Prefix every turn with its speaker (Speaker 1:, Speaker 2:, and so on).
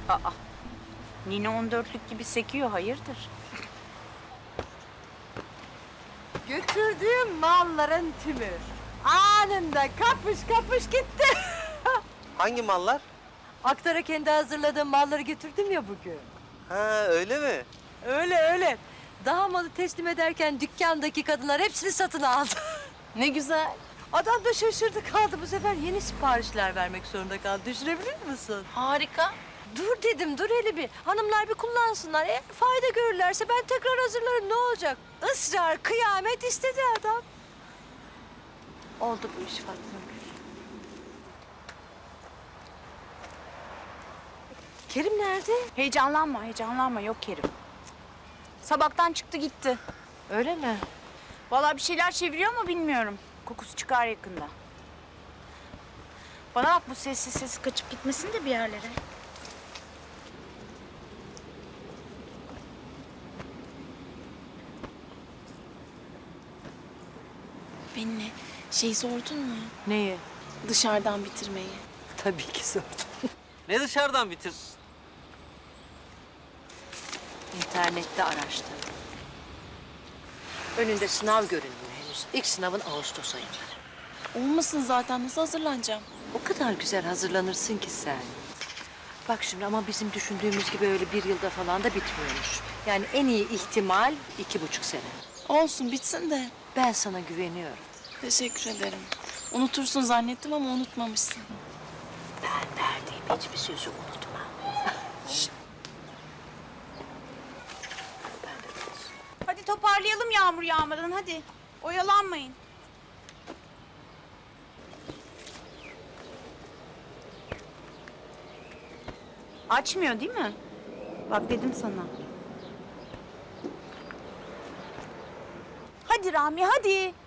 Speaker 1: Aa, Nine 14'lük gibi sekiyor, hayırdır?
Speaker 2: Götürdüğüm malların tümü anında kapış kapış gitti.
Speaker 3: Hangi mallar?
Speaker 2: Aktar'a kendi hazırladığım malları getirdim ya bugün.
Speaker 3: Ha öyle mi?
Speaker 2: Öyle. Daha malı teslim ederken dükkandaki kadınlar hepsini satın aldı.
Speaker 1: Ne güzel.
Speaker 2: Adam da şaşırdı kaldı. Bu sefer yeni siparişler vermek zorunda kaldı. Düşünebilir misin?
Speaker 1: Harika.
Speaker 2: Dur dedim, dur hele bir. Hanımlar bir kullansınlar. Eğer fayda görürlerse ben tekrar hazırlarım. Ne olacak? Israr, kıyamet istedi adam. Oldu bu iş Fatma Gül. Kerim nerede?
Speaker 1: Heyecanlanma. Yok Kerim. Sabahtan çıktı gitti.
Speaker 2: Öyle mi?
Speaker 1: Vallahi bir şeyler çeviriyor ama bilmiyorum. Kokusu çıkar yakında. Bana bak, bu sessiz kaçıp gitmesin de bir yerlere.
Speaker 4: Benimle sordun mu?
Speaker 2: Neyi?
Speaker 4: Dışarıdan bitirmeyi.
Speaker 2: Tabii ki sordum.
Speaker 3: Ne dışarıdan bitir?
Speaker 2: İnternette araştırdım. Önünde sınav görünmüyor henüz. İlk sınavın Ağustos ayında.
Speaker 4: Olmasın zaten. Nasıl hazırlanacağım?
Speaker 2: O kadar güzel hazırlanırsın ki sen. Bak şimdi ama bizim düşündüğümüz gibi öyle bir yılda falan da bitmiyormuş. Yani en iyi ihtimal 2,5 sene.
Speaker 4: Olsun bitsin de.
Speaker 2: Ben sana güveniyorum.
Speaker 4: Teşekkür ederim. Unutursun zannettim ama unutmamışsın.
Speaker 2: Ben verdiğim hiçbir sözü unutma.
Speaker 1: Hadi toparlayalım yağmur yağmadan, hadi. Oyalanmayın. Açmıyor değil mi? Bak dedim sana. Hadi Rami, hadi.